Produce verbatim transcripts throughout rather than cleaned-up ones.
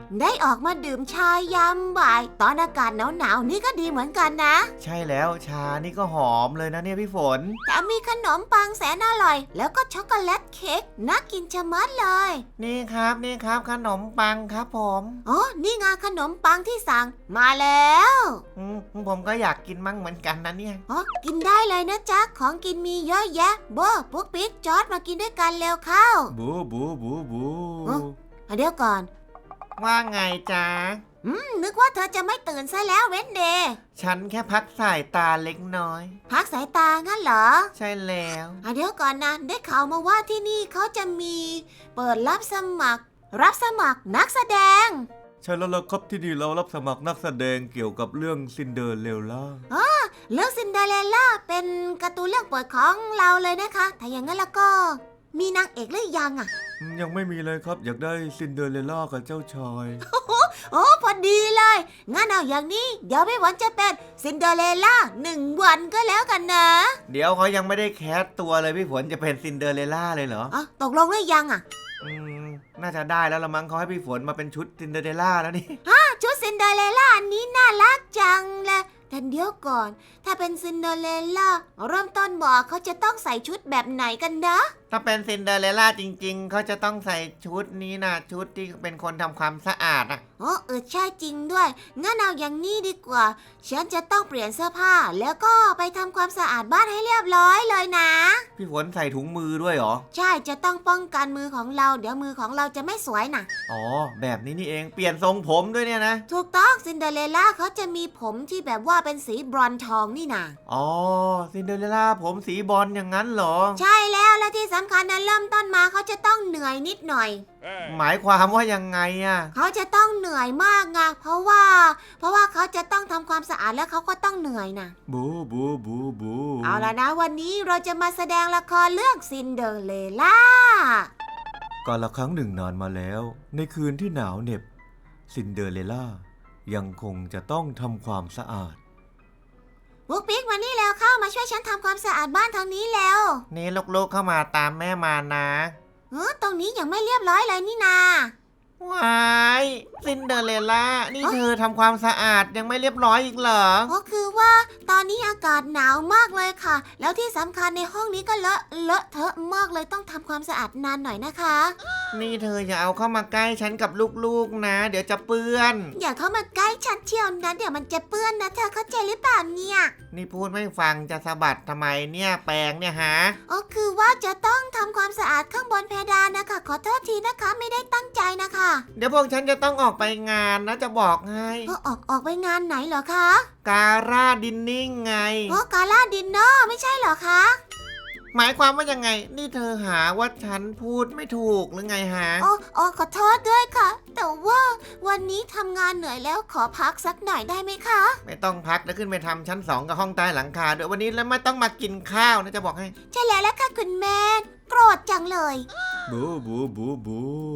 ได้ออกมาดื่มชายามบ่ายตอนอากาศหนาวๆนี่ก็ดีเหมือนกันนะใช่แล้วชานี่ก็หอมเลยนะเนี่ยพี่ฝนแต่มีขนมปังแสนอร่อยแล้วก็ช็อกโกแลตเค้กน่ากินชะมัดเลยนี่ครับนี่ครับขนมปังครับผมอ๋อนี่ไงขนมปังที่สั่งมาแล้วอืมผมก็อยากกินมั่งเหมือนกันนะเนี่ยอ๋อกินได้เลยนะจ๊ะของกินมีเยอะแยะโบปุ๊กปิ๊กจอร์จมากินด้วยกันเร็วเข้าบูบูบูบูเดี๋ยวก่อนว่าไงจ๊ะอืมนึกว่าเธอจะไม่ตื่นซะแล้วเวนเดย์ฉันแค่พักสายตาเล็กน้อยพักสายตางั้นเหรอใช่แล้วเดี๋ยวก่อนนะได้ข่าวมาว่าที่นี่เขาจะมีเปิดรับสมัครรับสมัครนักแสดงใช่แล้วล่ะครับที่นี่เรารับสมัครนักแสดงเกี่ยวกับเรื่องซินเดอเรลล่าอ๋อเรื่องซินเดอเรลล่าเป็นการ์ตูนเรื่องโปรดของเราเลยนะคะถ้าอย่างนั้นแล้วก็มีนางเอกหรือยังอ่ะยังไม่มีเลยครับอยากได้ซินเดอเรลล่ากับเจ้าชายโอ้พอดีเลยงั้นเอาอย่างนี้เดี๋ยวพี่ฝนจะเป็นซินเดอเรลล่าหนึ่งวันก็แล้วกันนะเดี๋ยวเขายังไม่ได้แคสตัวเลยพี่ฝนจะเป็นซินเดอเรลล่าเลยเหรออ๋อตกลงหรือยังอ่ะอืมน่าจะได้แล้วละมั้งเขาให้พี่ฝนมาเป็นชุดซินเดอเรลล่าแล้วนี่ฮะชุดซินเดอเรลล่าอันนี้น่ารักจังเลยแต่เดี๋ยวก่อนถ้าเป็นซินเดอเรลล่าเริ่มต้นบอกเขาจะต้องใส่ชุดแบบไหนกันนะถ้าเป็นซินเดอเรลล่าจริงๆเขาจะต้องใส่ชุดนี้นะชุดที่เป็นคนทำความสะอาดอ่ะอ๋อเออใช่จริงด้วยงั้นเอาอย่างนี้ดีกว่าฉันจะต้องเปลี่ยนเสื้อผ้าแล้วก็ไปทำความสะอาดบ้านให้เรียบร้อยเลยนะพี่ฝนใส่ถุงมือด้วยเหรอใช่จะต้องป้องกันมือของเราเดี๋ยวมือของเราจะไม่สวยนะอ๋อแบบนี้นี่เองเปลี่ยนทรงผมด้วยเนี่ยนะถูกต้องซินเดอเรลล่าเขาจะมีผมที่แบบว่าเป็นสีบรอนซ์ทองนี่นะอ๋อซินเดอเรลล่าผมสีบอลอย่างนั้นเหรอใช่แล้วและที่สำคัญนะเริ่มต้นมาเขาจะต้องเหนื่อยนิดหน่อยหมายความว่ายังไงอ่ะเขาจะต้องเหนื่อยมากไงเพราะว่าเพราะว่าเขาจะต้องทำความสะอาดแล้วเขาก็ต้องเหนื่อยนะบูบูบูบูเอาล่ะนะวันนี้เราจะมาแสดงละครเรื่องซินเดอเรลล่ากาลครั้งหนึ่งนานมาแล้วในคืนที่หนาวเหน็บซินเดอเรลล่ายังคงจะต้องทำความสะอาดปุ๊กปิ๊กมานี่แล้วเข้ามาช่วยฉันทำความสะอาดบ้านทางนี้แล้วนี่ลูกๆเข้ามาตามแม่มานะเออตรงนี้ยังไม่เรียบร้อยเลยนี่นาว้ายซินเดอเรลล่านี่เธอทำความสะอาดยังไม่เรียบร้อยอีกเหรอก็คือว่าตอนนี้อากาศหนาวมากเลยค่ะแล้วที่สำคัญในห้องนี้ก็เลอะเลอะเทอะมากเลยต้องทำความสะอาดนานหน่อยนะคะนี่เธออย่าเอาเข้ามาใกล้ฉันกับลูกๆนะเดี๋ยวจะเปื้อนอย่าเข้ามาใกล้ฉันเที่ยวนะเดี๋ยวมันจะเปื้อนนะเธอเข้าใจหรือเปล่าเนี่ยนี่พูดไม่ฟังจะสะบัดทำไมเนี่ยแปรงเนี่ยฮะอ๋อคือว่าจะต้องทำความสะอาดข้างบนเพดานนะคะขอโทษทีนะคะไม่ได้ตั้งใจนะคะเดี๋ยวพวกฉันจะต้องออกไปงานนะจะบอกให้ก็ออกออกไปงานไหนเหรอคะการ่าดินนิ่งไงอ๋อการ่าดินเนอร์ไม่ใช่เหรอคะหมายความว่ายังไงนี่เธอหาว่าฉันพูดไม่ถูกหรือไงฮะอ๋ออ๋อขอโทษด้วยค่ะแต่ว่าวันนี้ทำงานเหนื่อยแล้วขอพักสักหน่อยได้ไหมคะไม่ต้องพักแล้วขึ้นไปทำชั้นสองกับห้องใต้หลังคาด้วยวันนี้แล้วไม่ต้องมากินข้าวนะจะบอกให้ใช่แล้วแหละค่ะคุณแม่โกรธจังเลยบูบูบูบู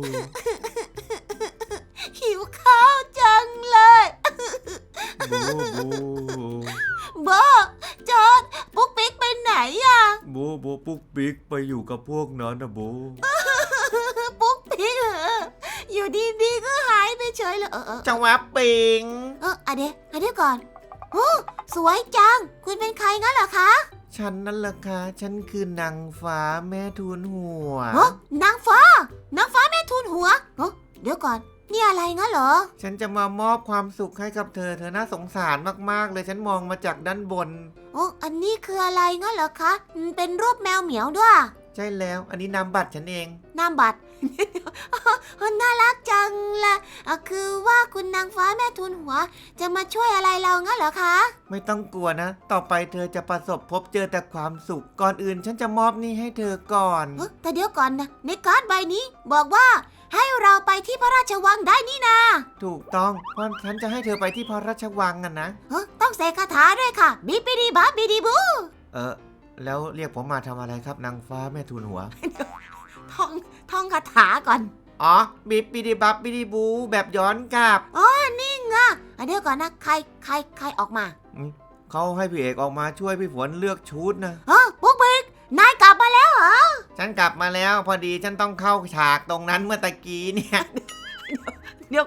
หิวข้าวจังเลยบูบูโบจอดปุ๊กปิ๊กไปไหนอะบูบูปุ๊กปิ๊กไปอยู่กับพวกนั้นนะบูปุ๊กปิ๊กอยู่ดีๆก็หายไปเฉยเลยเออจังหวะปิงเอออะเดี๋ยวอะเดี๋ยวก่อนโอ้สวยจังคุณเป็นใครงั้นเหรอคะฉันนั่นแหละค่ะฉันคือนางฟ้าแม่ทูลหัวเฮ้นางฟ้านางฟ้าแม่ทูลหัวเฮ้เดี๋ยวก่อนนี่อะไรงั้นเหรอฉันจะมามอบความสุขให้กับเธอเธอน่าสงสารมากๆเลยฉันมองมาจากด้านบนโอ้อันนี้คืออะไรงั้นเหรอคะเป็นรูปแมวเหมียวด้วยใช่แล้วอันนี้นามบัตรฉันเองนามบัตร น่ารักจังเลยคือว่าคุณนางฟ้าแม่ทูลหัวจะมาช่วยอะไรเรางั้นเหรอคะไม่ต้องกลัวนะต่อไปเธอจะประสบพบเจอแต่ความสุขก่อนอื่นฉันจะมอบนี่ให้เธอก่อนแต่เดี๋ยวก่อนนะในการ์ดใบนี้บอกว่าให้เราไปที่พระราชวังได้นี่นาถูกต้องเพราะฉันจะให้เธอไปที่พระราชวังกันนะต้องเสกคาถาด้วยค่ะบิบิดีบับบิดีบูเออแล้วเรียกผมมาทำอะไรครับนางฟ้าแม่ทูลหัวท่องท่องคาถาก่อนอ๋อบิบบิดีบับบิดีบูแบบย้อนกลับอ๋อนี่ไงเดี๋ยวก่อนนะใครใครใครออกมาเขาให้พี่เอกออกมาช่วยพี่ฝนเลือกชุดนะฮะปุ๊กปิ๊กนายกลับมาแล้วเหรอฉันกลับมาแล้วพอดีฉันต้องเข้าฉากตรงนั้นเมื่อตะกี้เนี่ยเดี๋ยวก่อน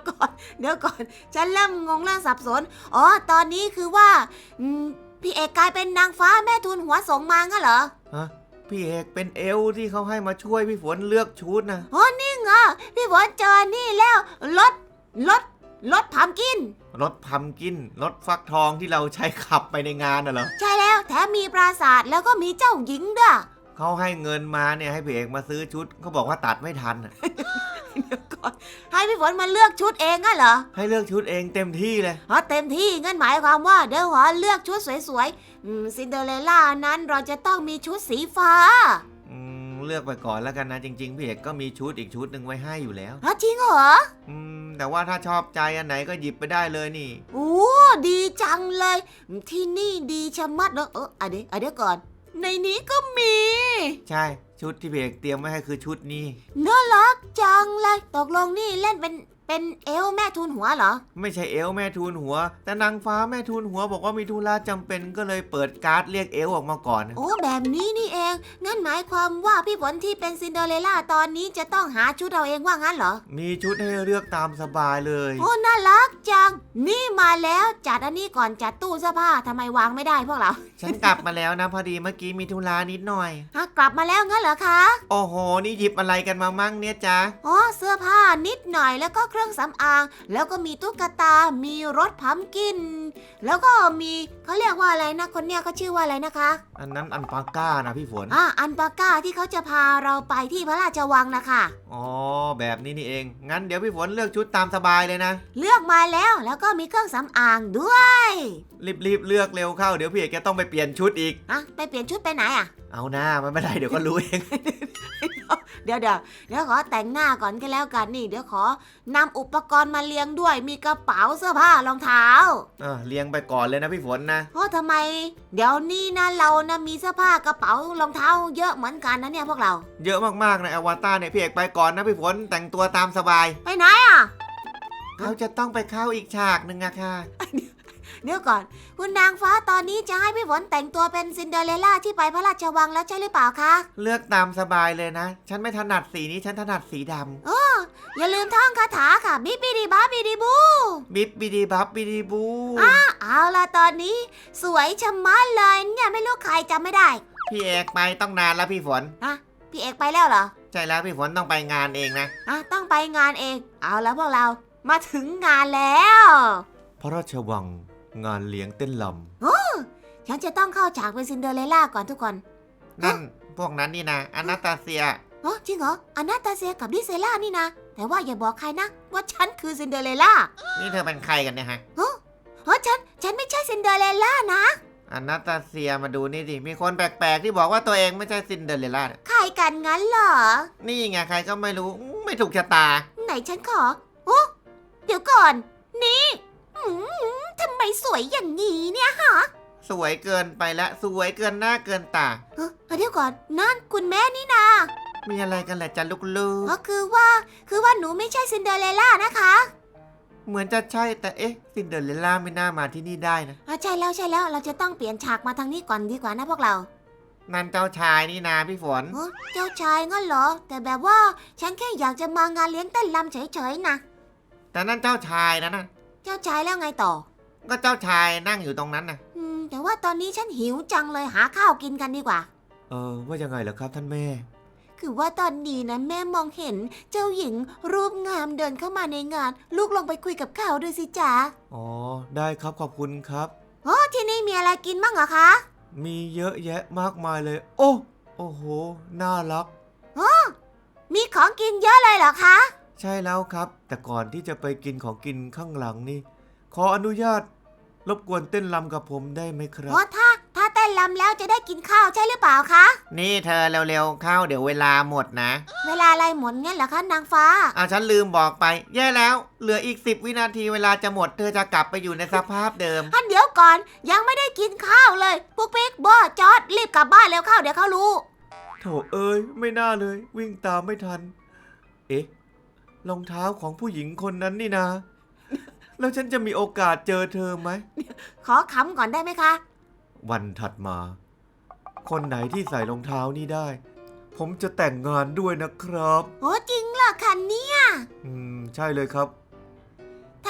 เดี๋ยวก่อนฉันเริ่มงงเริ่มสับสนอ๋อตอนนี้คือว่าอืมพี่เอกกลายเป็นนางฟ้าแม่ทูลหัวสงมางั้นเหรอฮะพี่เอกเป็นเอลฟ์ที่เขาให้มาช่วยพี่ฝนเลือกชุดนะอ๋อนี่ไงพี่ฝนเจอนี่แล้วรถรถรถพัมกินรถพัมกินรถฟักทองที่เราใช้ขับไปในงานน่ะเหรอใช่แล้วแถมมีปราสาทแล้วก็มีเจ้าหญิงด้วยเขาให้เงินมาเนี่ยให้พี่เอกมาซื้อชุดเขาบอกว่าตัดไม่ทันน่ะเดี๋ยวก่อนให้พี่ฝนมาเลือกชุดเองงั้นเหรอให้เลือกชุดเองเต็มที่เลยอ๋อเต็มที่งั้นหมายความว่าเดี๋ยวขอเลือกชุดสวยๆอืมซินเดอเรลล่านั้นเราจะต้องมีชุดสีฟ้าอืมเลือกไปก่อนแล้วกันนะจริงๆพี่เอกก็มีชุดอีกชุดหนึ่งไว้ให้อยู่แล้วอ๋อจริงเหรออืมแต่ว่าถ้าชอบใจอันไหนก็หยิบไปได้เลยนี่โอ้ดีจังเลยที่นี่ดีชะมัดเนอะเอออะเดี๋ยวอะเดี๋ยวก่อนในนี้ก็มีใช่ชุดที่พี่เอกเตรียมไว้ให้คือชุดนี้น่ารักจังเลยตกลงนี่เล่นเป็นเป็นเอลแม่ทูลหัวเหรอไม่ใช่เอลฟ์แม่ทูลหัว แต่นางฟ้าแม่ทูลหัวบอกว่ามีธุระจำเป็นก็เลยเปิดการ์ดเรียกเอลฟ์ออกมาก่อนโอ้แบบนี้นี่เองงั้นหมายความว่าพี่ฝนที่เป็นซินเดอเรลล่าตอนนี้จะต้องหาชุดเราเองว่างั้นเหรอมีชุดให้เลือกตามสบายเลยโอ้น่ารักจังนี่มาแล้วจัดอันนี้ก่อนจัดตู้เสื้อผ้าทำไมวางไม่ได้พวกเราฉันกลับมาแล้วนะพอดีเมื่อกี้มีธุระนิดหน่อยฮะกลับมาแล้วงั้นเหรอคะโอ้โหนี่หยิบอะไรกันมามั่งเนี่ยจ๊ะอ๋อเสื้อผ้านิดหน่อยแล้วก็เครื่องสำอางแล้วก็มีตุ๊กตา มีรถพัมกิน แล้วก็มีเขาเรียกว่าอะไรนะคนเนี้ยเขาชื่อว่าอะไรนะคะอันนั้นอันปาก้านะพี่ฝนอ่าอันปาก้าที่เขาจะพาเราไปที่พระราชวังนะคะอ๋อแบบนี้นี่เอง งั้นเดี๋ยวพี่ฝนเลือกชุดตามสบายเลยนะเลือกมาแล้วแล้วก็มีเครื่องสำอางด้วยรีบๆเลือกเร็วเข้าเดี๋ยวพี่เอกจะต้องไปเปลี่ยนชุดอีกอะไปเปลี่ยนชุดไปไหนอะเอาหน้ามันไม่ได้เดี๋ยวก็รู้เองเดี๋ยวเดี๋ยวเดี๋ยวขอแต่งหน้าก่อนก็แล้วกันนี่เดี๋ยวขอนำอุปกรณ์มาเลี้ยงด้วยมีกระเป๋าเสื้อผ้ารองเท้าเออเลี้ยงไปก่อนเลยนะพี่ฝนนะเพราะทำไม เดี๋ยวนี้นะเรานะมีเสื้อผ้ากระเป๋ารองเท้าเยอะเหมือนกันนะเนี่ยพวกเราเยอะมากๆในอวตารเนี่ยพี่เอกไปก่อนนะพี่ฝนแต่งตัวตามสบายไปไหนอะเขาจะต้องไปเข้าอีกฉากหนึ่งอะค่ะเดี๋ยวก่อนคุณนางฟ้าตอนนี้จะให้พี่ฝนแต่งตัวเป็นซินเดอเรลล่าที่ไปพระราชวังแล้วใช่หรือเปล่าคะเลือกตามสบายเลยนะ ฉันไม่ถนัดสีนี้ฉันถนัดสีดำอย่าลืมท่องคาถาค่ะบิบิดีบาบิดีบูบิบบิดีบับบิดีบูเอาล่ะตอนนี้สวยชะมัดเลยเนี่ยไม่รู้ใครจำไม่ได้พี่เอกไปต้องนานแล้วพี่ฝนอะพี่เอกไปแล้วเหรอใช่แล้วพี่ฝนต้องไปงานเองนะอ่ะต้องไปงานเอง เอาแล้วพวกเรามาถึงงานแล้วพระราชวังงานเลี้ยงเต้นลฉันจะต้องเข้าฉากเป็นซินเดอเรลล่าก่อนทุกคนำนั่นพวกนั้นนี่นะอนาตาเซียอ๋อจริงเหรออนาตาเซียกับดิเซล่านี่นะ แต่ว่าอย่าบอกใครนะ ว่าฉันคือซินเดอเรลล่านี่เธอเป็นใครกันเนี่ยฮะเฮ้ยฉันฉันไม่ใช่ซินเดอเรลล่านะอนาตาเซียมาดูนี่ดิมีคนแปลกๆที่บอกว่าตัวเองไม่ใช่ซินเดอเรลล่าเนี่ยใครกันงั้นเหรอนี่ไงใครก็ไม่รู้ไม่ถูกชะตาไหนฉันขอโอ้เดี๋ยวก่อน นี่อืมทำไมสวยอย่างนี้เนี่ยฮะสวยเกินไปละสวยเกินหน้าเกินตาเอ้อเดี๋ยวก่อนนั่นคุณแม่นี่นามีอะไรกันแหละจ๊ะลูกอ๋อคือว่าคือว่าหนูไม่ใช่ซินเดอเรลล่านะคะๆเหมือนจะใช่แต่เอ๊ะซินเดอเรลล่าไม่น่ามาที่นี่ได้นะอ่ะใช่แล้วใช่แล้วเราจะต้องเปลี่ยนฉากมาทางนี้ก่อนดีกว่านะพวกเรานั่นเจ้าชายนี่นาพี่ฝนเอ้อเจ้าชายงั้นเหรอ แต่แบบว่าฉันแค่อยากจะมางานเลี้ยงเต้นรำเฉยๆนะแต่นั่นเจ้าชายนะนะเจ้าชายแล้วไงต่อก็เจ้าชายนั่งอยู่ตรงนั้นนะอืมแต่ว่าตอนนี้ฉันหิวจังเลยหาข้าวกินกันดีกว่าเออว่ายังไงเหรอครับท่านแม่คือว่าตอนนี้นะแม่มองเห็นเจ้าหญิงรูปงามเดินเข้ามาในงาน ลูกลงไปคุยกับเขาด้วยสิจ๊ะอ๋อได้ครับขอบคุณครับโอ้ที่นี่มีอะไรกินบ้างเหรอคะมีเยอะแยะมากมายเลย โอ้โอ้โหน่ารักมีของกินเยอะเลยเหรอคะใช่แล้วครับ แต่ก่อนที่จะไปกินของกินข้างหลังนี่ ขออนุญาต รบกวนเต้นรำกับผมได้ไหมครับโอ้ถ้าถ้าเต้นรำแล้วจะได้กินข้าวใช่หรือเปล่าคะนี่เธอเร็วๆเข้าเดี๋ยวเวลาหมดนะเวลาอะไรหมดงั้นเหรอคะนางฟ้าอ่ะฉันลืมบอกไป แย่แล้ว เหลืออีกสิบวินาทีเวลาจะหมดเธอจะกลับไปอยู่ในสภาพเดิมท่านเดี๋ยวก่อนยังไม่ได้กินข้าวเลยปุ๊กปิ๊กบอจอดรีบกลับบ้านแล้วเข้าเดี๋ยวเขารู้โถเอ้ยไม่น่าเลย วิ่งตามไม่ทัน เอ๊ะรองเท้าของผู้หญิงคนนั้นนี่นะ แล้วฉันจะมีโอกาสเจอเธอไหมขอขำก่อนได้ไหมคะวันถัดมา คนไหนที่ใส่รองเท้านี่ได้ ผมจะแต่งงานด้วยนะครับโอ้จริงเหรอคะเนี่ยอืมใช่เลยครับ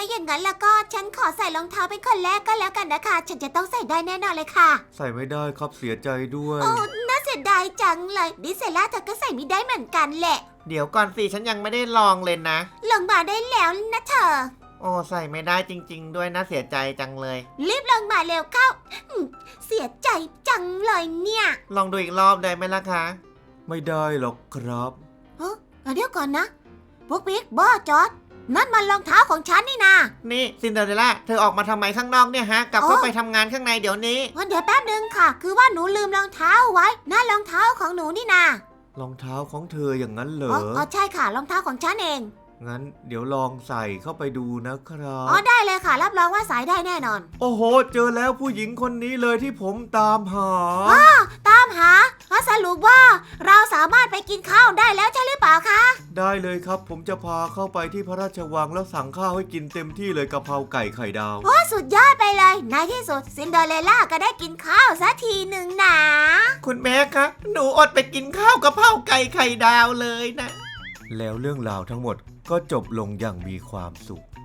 าอย่างนั้นแล้วก็ฉันขอใส่รองเท้าเป็นคนแรกก็แล้วกันนะคะฉันจะต้องใส่ได้แน่นอนเลยค่ะใส่ไม่ได้ครับเสียใจด้วยโอ้น่าเสียดายจังเลยดิเซล่าเธอก็ใส่ไม่ได้เหมือนกันแหละเดี๋ยวก่อนสิฉันยังไม่ได้ลองเลยนะลงมาได้แล้วนะเธอโอ้ใส่ไม่ได้จริงๆด้วยนะเสียใจจังเลยรีบลงมาเร็วเข้าอืมเสียใจจังเลยเนี่ยลองดูอีกรอบได้ไหมล่ะคะไม่ได้หรอกครับเฮ้ยเดี๋ยวก่อนนะปุ๊กปิ๊กบอจอดนั่นมันรองเท้าของฉันนี่นานี่ซินเดอเรลล่าเธอออกมาทำไมข้างนอกเนี่ยฮะ กลับเข้าอ๋อไปทำงานข้างในเดี๋ยวนี้งั้นเดี๋ยวแป๊บนึงค่ะ คือว่าหนูลืมรองเท้าไว้นั่นรองเท้าของหนูนี่นารองเท้าของเธออย่างนั้นเหรอ๋อออ๋อใช่ค่ะรองเท้าของฉันเองงั้นเดี๋ยวลองใส่เข้าไปดูนะครัอ๋อบ ได้เลยค่ะ รับรองว่าสายได้แน่นอนโอ้โห เจอแล้วผู้หญิงคนนี้เลยที่ผมตามหาตามหาอ๋อสรุปว่าเราสามารถไปกินข้าวได้แล้วใช่หรือเปล่าคะได้เลยครับ ผมจะพาเข้าไปที่พระราชวังแล้วสั่งข้าวให้กินเต็มที่เลยกะเพราไก่ไข่ดาวโอ้สุดยอดไปเลยในที่สุดซินเดอเรลล่าก็ได้กินข้าวสักทีหนึ่งนะคุณแม่คะหนูอดไปกินข้าวกะเพราไก่ไข่ดาวเลยนะแล้วเรื่องราวทั้งหมดก็จบลงอย่างมีความสุข